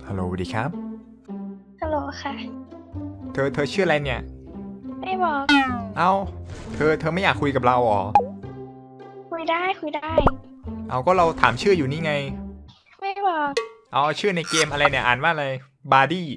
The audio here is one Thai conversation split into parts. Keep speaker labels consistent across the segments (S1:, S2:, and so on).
S1: ฮัลโหลสวัสดีครับ
S2: ฮัลโหลค่ะ
S1: เธอชื่ออะไรเนี่ย
S2: ไม่บอก
S1: เอ้าเธอไม่อยากคุยกับเราหรอ
S2: คุยได้คุยได้
S1: เอาก็เราถามชื่ออยู่นี่ไง
S2: ไม่บอก
S1: เอาชื่อในเกมอะไรเนี่ยอ่านว่าอะไรบาร์ดี้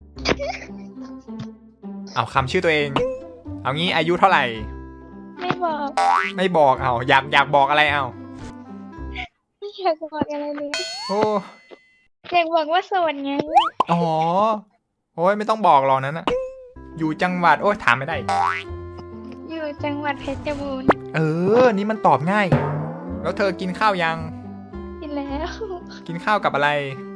S1: เอาคำชื่อตัวเองเอางี้อายุเท่าไหร่
S2: ไม่บอก
S1: ไม่บอกเอาอยากบอกอะไรเอา
S2: ไม่อยากบอกอะไรเลย
S1: โอ้
S2: อยากบอกว่าโสดไง
S1: อ๋อโอ้ยไม่ต้องบอกหรอกนั้นนะอยู่จังหวัดโอ้ยถามไม่ได้
S2: อยู่จังหวัดเพชรบูรณ์
S1: เออนี่มันตอบง่ายแล้วเธอกินข้าวยัง
S2: กินแล้ว
S1: กินข้าวกับอะไร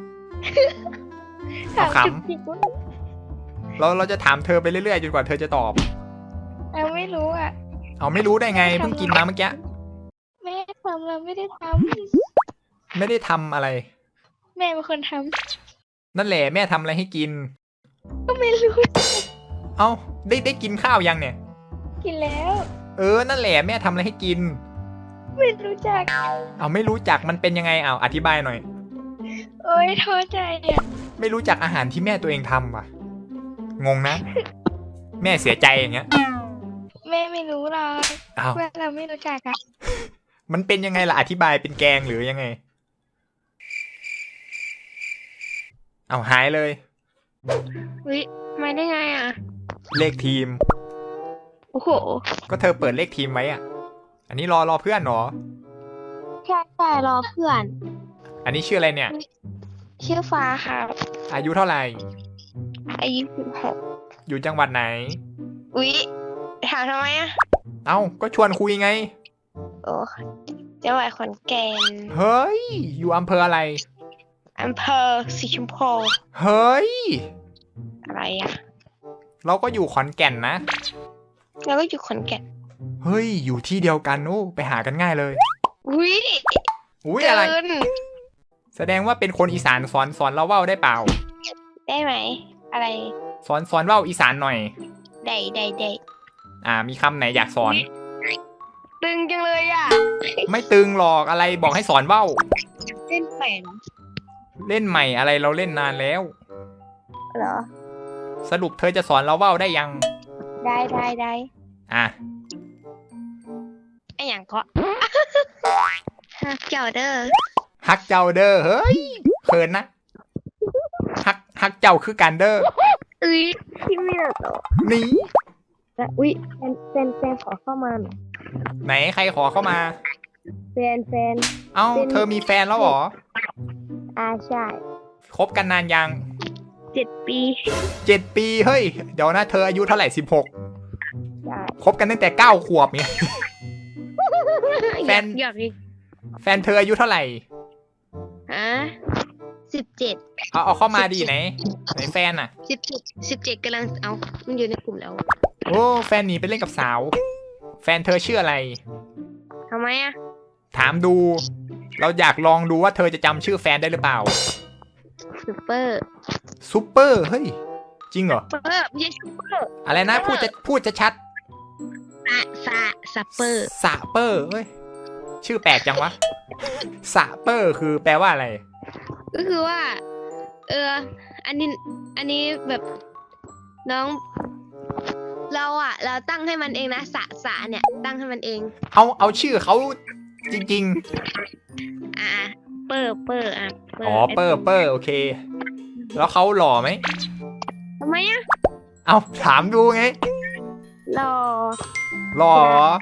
S2: ถาม
S1: ขำ
S2: จุกจิกว่า
S1: เราจะถามเธอไปเรื่อยๆจนกว่าเธอจะตอบ
S2: เราไม่รู้อ่ะ
S1: เอาไม่รู้ได้ไงเพิ่งกินมาเมื่อกี้
S2: แม่ทำเราไม่ได้ท
S1: ไม่ได้ทำอะไร
S2: ำแม่เป็นคนท
S1: นั่นแหละแม่ทำอะไรให้กิน
S2: ำก็ไม่รู้
S1: เอ้าได้กินข้าวยังเนี่ย
S2: กินแล้ว
S1: เออนั่นแหละแม่ทำอะไรให้กิน
S2: ไม่รู้จัก
S1: เอาไม่รู้จักมันเป็นยังไงเอาอธิบายหน่อย
S2: โอ๊ยท้อใจอ่ะ
S1: ไม่รู้จักอาหารที่แม่ตัวเองทำว่ะงงนะ แม่เสียใจอย่างเงี้ย
S2: แม่ไม่รู้หรอก
S1: อ้าว
S2: ว่าเราไม่รู้จักอ่ะ
S1: มันเป็นยังไงล่ะอธิบายเป็นแกงหรือยังไงเอาหายเลย
S2: วิมาได้ไงอ่ะ
S1: เลขทีม
S2: โอ้โห
S1: ก็เธอเปิดเลขทีมไว้อ่ะ อันนี้รอเพื่อนเหรอ
S2: ใช่รอเพื่อน
S1: อันนี้ชื่ออะไรเนี่ย
S2: ชื่อฟ้าครับ
S1: อายุเท่าไหร่
S2: อายุ16
S1: อยู่จังหวัดไหน
S2: อุ๊ยถามทำไมอ่ะ
S1: เอ้าก็ชวนคุยไง
S2: โอ้จังหวัดขอนแก่น
S1: เฮ้ยอยู่อำเภออะไร
S2: อำเภอสีชมพู
S1: เฮ้ย
S2: อะไรอ่ะ
S1: เราก็อยู่ขอนแก่นนะ
S2: แล้วก็อยู่ขอนแก่น
S1: เฮ้ยอยู่ที่เดียวกันโอ้ไปหากันง่ายเลย
S2: อุ๊ย
S1: อุ้ยอะไร
S2: เกิน
S1: แสดงว่าเป็นคนอีสานสอนเราเว้าได้เปล่า
S2: ได้ไหม อะไร
S1: สอนเว้าอีสานหน่อย
S2: ได้
S1: มีคำไหนอยากสอน
S2: ตึงจังเลยอ่ะ
S1: ไม่ตึงหรอกอะไรบอกให้สอนเว้า
S2: เล่นแฝง
S1: เล่นใหม่อะไรเราเล่นนานแล้ว
S2: เหรอ
S1: สรุปเธอจะสอนเราเว้าได้ยัง
S2: ได้
S1: อ่ะ
S2: ไอ้อย่างก็ฮักเจ้าเด้อ
S1: ฮักเจ้าเด้อเฮ้ยเขินนะฮักเจ้าคือกันเด้อ
S2: อุ๊ยพี่ไม่หรอก
S1: นี่
S2: อุ๊ยแฟนขอเข้ามาหน่อย
S1: ไหนใครขอเข้ามา
S2: แฟน
S1: เอ้าเธอมีแฟนแล้วเหรอ
S2: ใช่
S1: คบกันนานยัง
S2: 7 ปี
S1: 7 ปีเฮ้ยเดี๋ยวนะเธออายุเท่าไหร่16
S2: ใช่
S1: คบกันตั้งแต่9 ขวบเนี่ย แฟน
S2: อยากอีก
S1: แฟนเธออายุเท่าไหร่
S2: ฮะ17
S1: เอาเข้ามาดีไหนแฟนอ่ะ
S2: 17กำลังเอามันอยู่ในกลุ่มแล้ว
S1: โอ้แฟนหนีไปเล่นกับสาว แฟนเธอชื่ออะไร
S2: ทำไมอ่ะ
S1: ถามดู เราอยากลองดูว่าเธอจะจำชื่อแฟนได้หรือเปล่า
S2: ซูเปอร์
S1: ซูเปอร์เฮ้ยจริงเหรอ
S2: ไม่ใช่ซูเปอร์
S1: อะไรนะพูดจะชัด
S2: ซัปเปอร์
S1: สะเปอร์เฮ้ยชื่อแปลกจังวะสะเปอร์คือแปลว่าอะไร
S2: ก็คือว่า อันนี้แบบน้อง เราตั้งให้มันเองนะสะเนี่ยตั้งให้มันเอง
S1: เอาชื่อเขาจริง
S2: เปอร์
S1: อ๋อเปอร์โอเค แล้วเขาหล่อไหม
S2: ทำไมอ่ะ
S1: เอาถามดูไง
S2: รอ
S1: หล่อ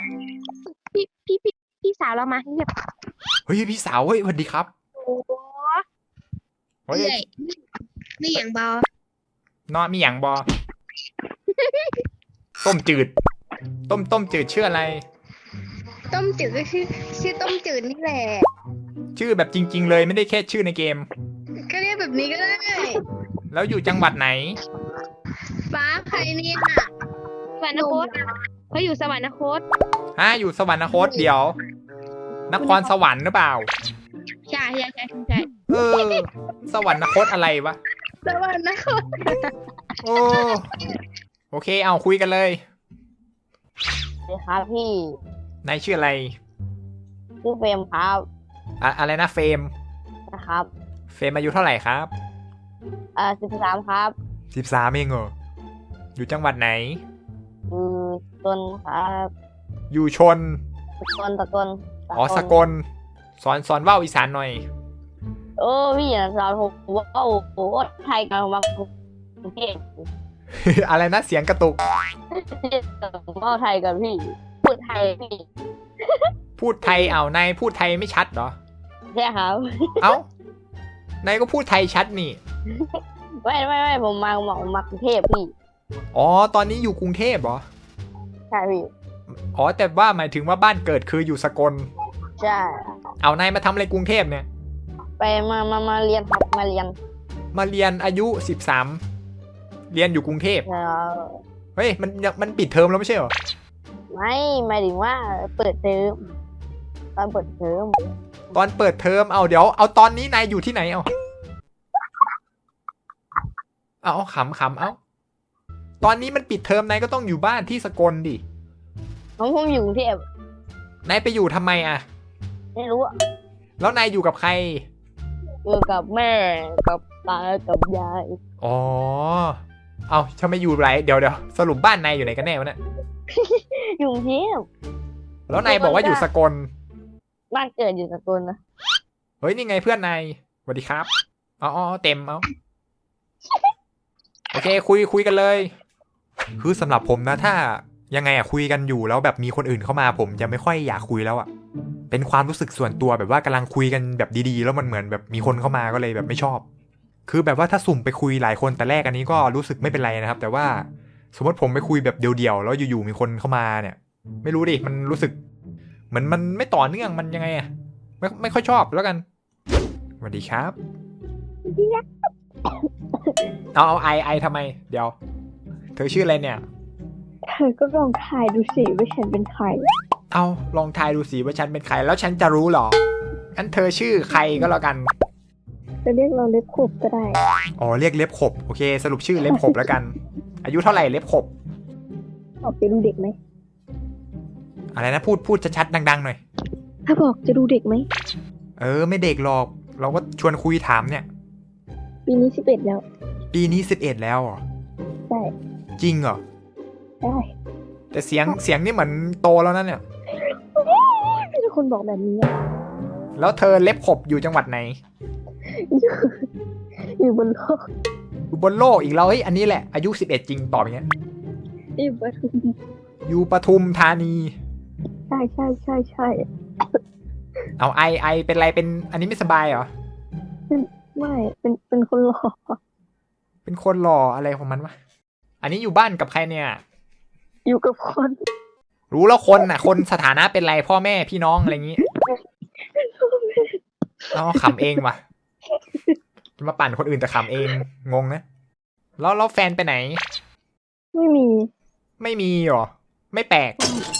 S2: พี่สาวเรามาเงียบ
S1: เฮ้ยพี่สาวเฮ้ยสวัสดีครับ
S2: โอ้
S1: เฮ้ย
S2: ไม่อย่างเบา
S1: นอนมีอย่างบอ ต้มจืด ต้มจืดชื่ออะไร
S2: ต้มจืดก็ชื่อต้มจืดนี่แหละ
S1: ชื่อแบบจริง ๆ เลยไม่ได้แค่ชื่อในเกม
S2: ก็เรียกแบบนี้ก็ได้
S1: แล้วอยู่จังหวัดไหน
S2: ฟ้าใครเนี่ยสวรรคตเขาอยู่สวรรคต
S1: อยู่สวรรคตเดี๋ยว นครสวรรค์หรือเปล่า
S2: ใช่
S1: เออ สวรรคตอะไรวะ
S2: สวรรคต
S1: โอเคเอาคุยกันเลย
S3: สวัสดีครับพี่
S1: นายชื่ออะไร
S3: ชื่อเฟรมครับ
S1: อะไรนะเฟรม
S3: นะครับ
S1: เฟรมอายุเท่าไหร่ครับ
S3: 13 ครับ
S1: 13เองเหรออยู่จังหวัดไหน
S3: ต้นครับ
S1: อยู่ชน
S3: ตะกน
S1: อ๋อสกลสอนว่าวอีสานหน่อย
S3: โอ้พี่อย่าสอนผมว่าโอ้โหไทยกันมากรุงเทพ
S1: อะไรนะเสียงกระตุก
S3: ว่าไทยกันพี่พูดไทยพี่
S1: พูดไทยนายพูดไทยไม่ชัดเหรอ
S3: ใช่ครับ
S1: เอ้านายก็พูดไทยชัดนี่
S3: ไม่ผมมากรุงเทพพี่
S1: อ๋อตอนนี้อยู่กรุงเทพเหรอ
S3: ใช่พี่
S1: อ๋อแต่ว่าหมายถึงว่าบ้านเกิดคืออยู่สกล
S3: ใช่
S1: เอานายมาทำอะไรกรุงเทพเนี่ย
S3: ไปมาเรียนครับมาเรียน
S1: มาเรียนอายุ13เรียนอยู่กรุงเทพ
S3: แล้ว
S1: เฮ้ยมันปิดเทอมแล้วไม่ใช่เหรอ
S3: ไม่หมายถึงว่าเปิดเทอมตอนเปิดเทอม
S1: ตอนเปิดเทอมเดี๋ยวเอาตอนนี้นายอยู่ที่ไหนเอาขำเอาตอนนี้มันปิดเทอมนายก็ต้องอยู่บ้านที่สกลดิ
S3: ผมอยู่กรุงเทพ
S1: นายไปอยู่ทำไมอะ
S3: ไม่รู้อะ
S1: แล้วนายอยู่กับใคร
S3: อยู่กับแม่กับตากับยาย
S1: อ๋อเอาทำไมอยู่ไรเดี๋ยวสรุปบ้านนายอยู่ไหนกันแน่วะเนี่ย
S3: อยู่กรุงเทพ
S1: แล้วนายบอกว่าอยู่สกล
S3: บ้านเกิดอยู่สกลนะ
S1: เฮ้ยนี่ไงเพื่อนนายสวัสดีครับอ๋อเต็มโอเคคุยกันเลยคือสำหรับผมนะถ้ายังไงคุยกันอยู่แล้วแบบมีคนอื่นเข้ามาผมจะไม่ค่อยอยากคุยแล้วเป็นความรู้สึกส่วนตัวแบบว่ากำลังคุยกันแบบดีๆแล้วมันเหมือนแบบมีคนเข้ามาก็เลยแบบไม่ชอบ คือแบบว่าถ้าสุ่มไปคุยหลายคนแต่แรกอันนี้ก็รู้สึกไม่เป็นไรนะครับแต่ว่าสมมติผมไปคุยแบบเดียวๆแล้วอยู่ๆมีคนเข้ามาเนี่ยไม่รู้ดิมันรู้สึกเหมือนมันไม่ต่อเนื่องมันยังไงไม่ค่อยชอบแล้วกันสวัสดีครับเอาไอทำไมเดี๋ยวเธอชื่ออะไรเนี่ย
S3: เธอก็ลองทายดูสิว่าฉันเป็นใคร
S1: เอาลองทายดูสิว่าฉันเป็นใครแล้วฉันจะรู้หรองั้นเธอชื่อใครก็แล้วกัน
S3: จะเรียกเราเล็บขบก็ได้
S1: อ๋อเรียกเล็บขบโอเคสรุปชื่อเล็บขบแล้วกัน อายุเท่าไหร่เล็บขบ
S3: บอกจะดูเด็กไหม
S1: อะไรนะพูดชัดๆดังๆหน่อย
S3: ถ้าบอกจะดูเด็กไหม
S1: ไม่เด็กหรอกเราก็ชวนคุยถามเนี่ย
S3: ปีนี้11แล้ว
S1: ปีนี้11แล้วเหรอ
S3: ใช่
S1: จริงเหรอ
S3: ได้
S1: แต่เสียงนี่เหมือนโตแล้วนั่นเนี่ย
S3: มีแต่คนบอกแบบนี้อะ
S1: แล้วเธอเล็บขบอยู่จังหวัดไหน
S3: อยู่บนโลก
S1: อยู่บนโลกอีกแล้วเฮ้ยอันนี้แหละอายุ11จริงตอบอย่างเงี้ย
S3: อยู่บน
S1: อยู่ปทุมธานี
S3: ใช่
S1: เอาไอเป็นไรเป็นอันนี้ไม่สบายเหรอ
S3: ไม่เป็นคนหล่อ
S1: เป็นคนหล่ออะไรของมันวะอันนี้อยู่บ้านกับใครเนี่ย
S3: อยู่กับคน
S1: รู้แล้วคนสถานะเป็นไรพ่อแม่พี่น้องอะไรอย่างงี้ขำเองว่ะจะมาปั่นคนอื่นแต่ขำเองงงนะแล้วแฟนไปไหน
S3: ไม่มี
S1: หรอไม่แปลก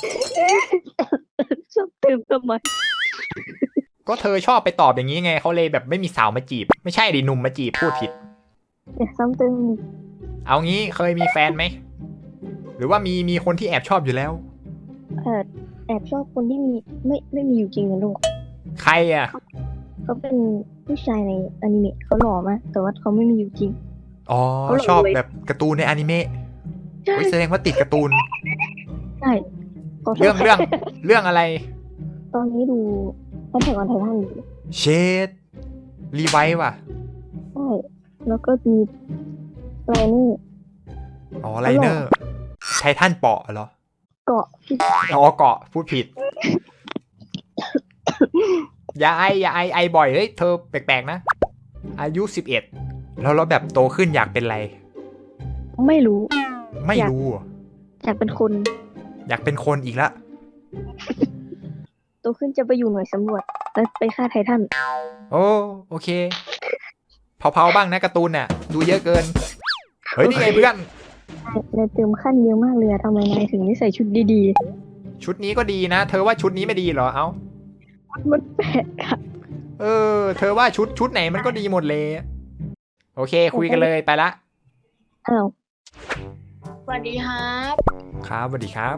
S3: ชอบเติมทำไม
S1: ก็เธอชอบไปตอบอย่างนี้ไงเขาเลยแบบไม่มีสาวมาจีบไม่ใช่ดิหนุ่มมาจีบพูดผิด
S3: อย่าซ้ำเติม
S1: เอางี้เคยมีแฟนไหมหรือว่ามีคนที่แอบชอบอยู่แล้ว
S3: แอบชอบคนที่ไม่มีอยู่จริงนะลูก
S1: ใครอ่ะ
S3: เขาเป็นผู้ชายในอนิเมะเขาหล่อมากแต่ว่าเขาไม่มีอยู่จริง
S1: อ๋อชอบแบบการ์ตูนในอนิเมะเฮ้ยแสดงว่าติดการ์ตูน
S3: ใช่
S1: เรื่องอะไร
S3: ตอนนี้ดูแอทแทคออนไททันอยู่
S1: เชดรีไวท์ว่ะ
S3: ใช่แล้วก็มีไลเนอร์
S1: อ๋อไลเนอร์ไททันเปาะเหรอ
S3: เกาะ
S1: อ๋อเกาะพูดผิด อย่าไอบ่อยเฮ้ยเธอแปลกๆนะอายุ11แล้วแบบโตขึ้นอยากเป็นอะไร
S3: ไม่รู้
S1: ไม่รู้เหรอ
S3: อยากเป็นคน
S1: อยากเป็นคนอีกละ
S3: โตขึ้นจะไปอยู่หน่วยสำรวจแล้วไปฆ่าไททัน
S1: โอเคเผาบ้างนะการ์ตูนน่ะดูเยอะเกินเฮ้ยนี่ไงเพื่อน
S3: ในเติมขั้นเยอะมากเลยทำไมนายถึงไม่ใส่ชุดดี
S1: ชุดนี้ก็ดีนะเธอว่าชุดนี้ไม่ดีเหรอเอ้า
S3: ๆมันแปลกอะ
S1: เธอว่าชุดไหนมันก็ดีหมดเลยโอเคคุยกันเลยไปละ
S3: อ้าว
S2: สวัสดีครับ
S1: ครับสวัสดีครับ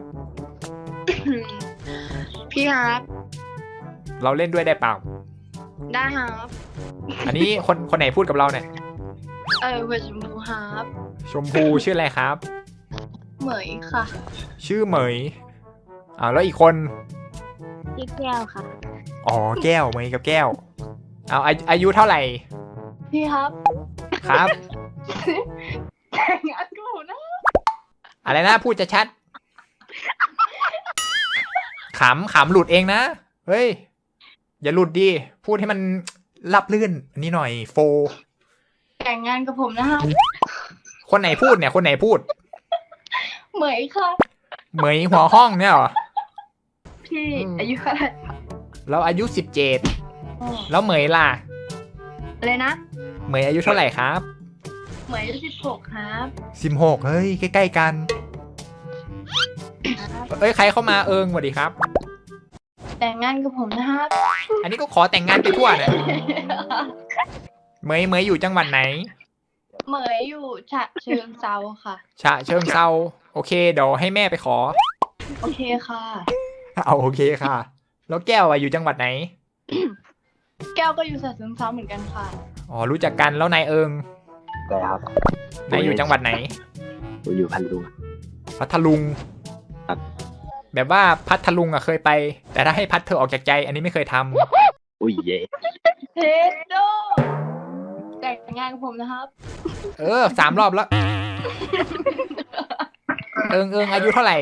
S2: พี่ครับ
S1: เราเล่นด้วยได้เปล่า
S2: ได้ครับ
S1: อันนี้คนไหนพูดกับเราเนี่ย
S4: เวชชมพูครับ
S1: ชมพูชื่ออะไรครับ
S4: เหมยค่ะ
S1: ชื่อเหมยแล้วอีกคน
S3: ชื่อแก้วค่ะ
S1: อ๋อแก้วเหมยกับแก้วอายุเท่าไหร่
S4: พี่ครับ
S1: ครับ
S4: แต่งงานกับผมนะ
S1: อะไรนะพูดจะชัดขำหลุดเองนะเฮ้ยอย่าหลุดดิพูดให้มันรับลื่นอันนี้หน่อยโฟ
S4: แต่งงานกับผมนะครับ
S1: คนไหนพูดเนี่ยคนไหนพูด
S4: เหมยค่ะ
S1: เหมยหัวห้องเนี่ยเหรอ
S4: พี่อายุเท่าไหร่
S1: เราอายุ17แล้วเหมยล่ะ
S4: อะไรนะ
S1: เหมยอายุเท่าไหร่ครับ
S4: เหมยอายุ16ครับ
S1: 16เฮ้ยใกล้ๆกันเอ้ยใครเข้ามาสวัสดีครับ
S4: แต่งงานกับผมนะครับ
S1: อันนี้ก็ขอแต่งงานไปทั่วนะเหมยอยู่จังหวัดไหน
S4: เหมยอยู่ฉะเชิงเซาค่ะ
S1: ฉะเชิงเซาโอเคเดี๋ยวให้แม่ไปขอ
S4: โอเคค่ะ
S1: เอาโอเคค่ะ แล้วแก้วอยู่จังหวัดไหน
S4: แก้วก็อยู่ฉะเชิงเซาเหมือนกันค่ะ
S1: อ๋อรู้จักกันแล้วนาย
S5: ได้ครับ
S1: นายอยู่จังหวัดไหน
S5: ผมอยู่พันลุง
S1: พัทลุง
S5: ครับ
S1: แบบว่าพัทลุงเคยไป แต่ถ้าให้พัดเธอออกจากใจ อันนี้ไม่เคยทำ
S5: อุ้ยเย่
S4: เทสโดแต่งงานกับผมนะครับ
S1: 3 รอบแล้ว อายุเท่าไหร่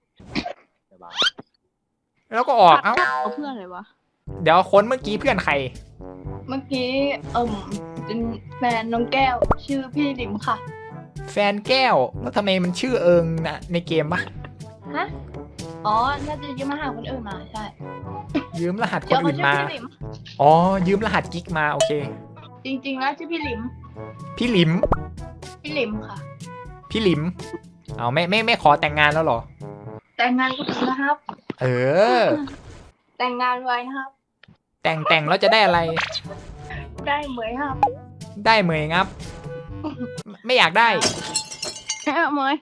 S1: แล้วก็ออก
S3: เอาเพื่อนเลยวะ
S1: เดี๋ยวคนเมื่อกี้เพื่อนใคร
S4: เมื่อกี้เป็นแฟนน้องแก้ว ชื่อพี่หลิมค่ะ
S1: แฟนแก้ว แล้วทำไมมันชื่อนะในเกมปะ
S4: ฮะ อ๋อ น่าจะยืมมาหาคนอื่นมาใช่
S1: ยืมรหัสค
S4: เดี๋ย
S1: น
S4: วเขา
S1: อื่น
S4: ชื่อ
S1: มา
S4: พี่หลิม
S1: อ๋อ ยืมรหัสกิ๊กมาโอเค
S4: จริงๆแล้วชื่อพี่หลิม
S1: พี่หลิม
S4: พี่หลิมค่ะ
S1: พี่หลิม เอาไม่ขอแต่งงานแล้วเหรอ
S4: แต่งงานกับผมนะครับ
S1: เออ
S4: แต่งงานไว้นะครับ
S1: แต่งแล้วจะได้อะไร
S4: ได้เหมยครับ
S1: ได้เหมยงับ ไม่อยากได้
S4: เหมย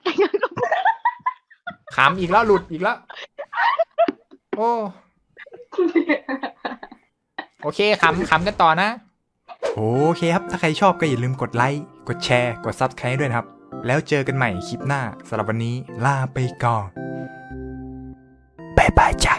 S1: ขำอีกแล้วหลุดอีกแล้ว โอ้ โอเคขำกันต่อนะ โอเคครับ ถ้าใครชอบก็อย่าลืมกดไลค์ กดแชร์ กด Subscribe ด้วยนะครับ แล้วเจอกันใหม่คลิปหน้าสำหรับวันนี้ลาไปก่อน บ๊ายบายจ้า